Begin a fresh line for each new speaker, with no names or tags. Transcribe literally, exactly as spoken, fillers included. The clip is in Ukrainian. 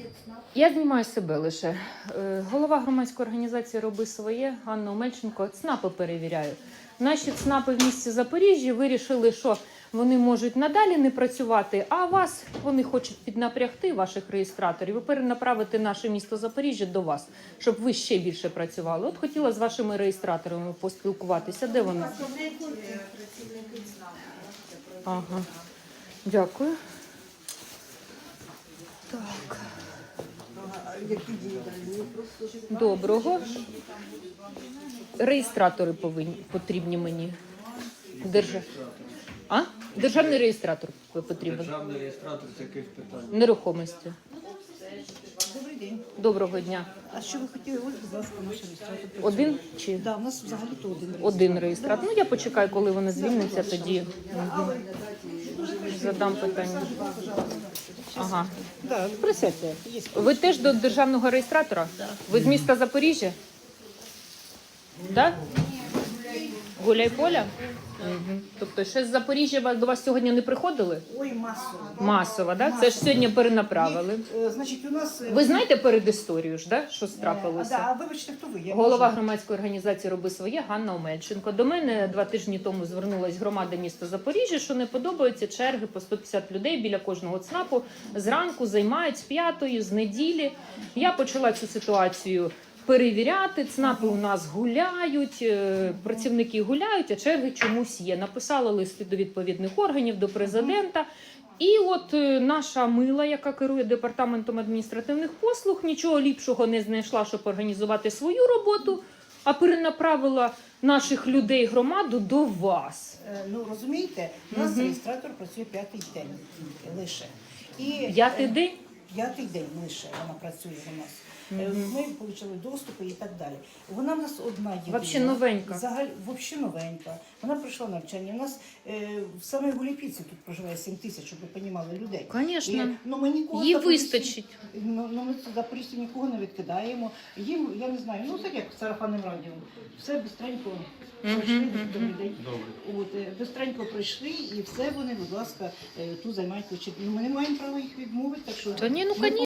Я знімаю себе лише. Е, Голова громадської організації «Роби своє», Ганна Омельченко, ЦНАПи перевіряю. Наші ЦНАПи в місті Запоріжжя вирішили, що вони можуть надалі не працювати, а вас вони хочуть піднапрягти, ваших реєстраторів, і перенаправити наше місто Запоріжжя до вас, щоб ви ще більше працювали. От хотіла з вашими реєстраторами поспілкуватися. Де вони? Ага. Дякую. Так. Доброго. Реєстратори повинні, потрібні мені. Держа... А? Державний реєстратор потрібен.
Державний реєстратор з яких питань?
Нерухомості.
Добрий день.
Доброго дня.
А що ви хотіли? Ось, будь ласка, наш реєстратор.
Один чи?
Так, да, у нас взагалі-то один реєстратор.
Один реєстратор. Ну, я почекаю, коли вони звільняться, тоді угу. задам питання. Ага.
Да, присядьте. Є.
Ви теж до державного реєстратора? Ви з міста Запоріжжя? Так? Гуляйполя? Угу. Тобто ще з Запоріжжя до вас сьогодні не приходили?
Ой, масово.
Масово, так? Це ж сьогодні перенаправили.
Е, Значить, у нас... е,
Ви знаєте передісторію ж, да? Що
е, А,
трапилося?
да, а вибачте, хто ви? Я
Голова
можу-
громадської організації «Роби своє» Ганна Омельченко. До мене два тижні тому звернулась громада міста Запоріжжя, що не подобаються черги по сто п'ятдесят людей біля кожного ЦНАПу. Зранку займають з п'ятої, з неділі. Я почала цю ситуацію перевіряти. ЦНАПи у нас гуляють, е, працівники гуляють, а черги чомусь є. Написала листи до відповідних органів, до президента. І от е, наша мила, яка керує департаментом адміністративних послуг, нічого ліпшого не знайшла, щоб організувати свою роботу, а перенаправила наших людей, громаду до вас.
Е, Ну, розумієте, у нас реєстратор працює п'ятий день лише. І,
П'ятий
е,
день?
П'ятий день лише вона працює у нас. Е, Ми отримали доступи і так далі. Вона в нас одна єдина.
Вообще новенька.
Взагалі, взагалі новенька. Вона пройшла навчання. У нас е, в самій Гуліпіці тут проживає сім тисяч, щоб ви розуміли, людей.
Звісно.
І, ну, ми нікого
Їй
в Запоріжжі-
вистачить.
Ну, ну, ми Запоріжжя нікого не відкидаємо. Їм, я не знаю, ну так як сарафанним радіо. Все бистренько пройшли, добрий день. От, е, бистренько пройшли і все вони, будь ласка, е, тут займають ключі. Ну, ми не маємо права їх відмовити, так що...
Та ні, ну,
ми
конечно.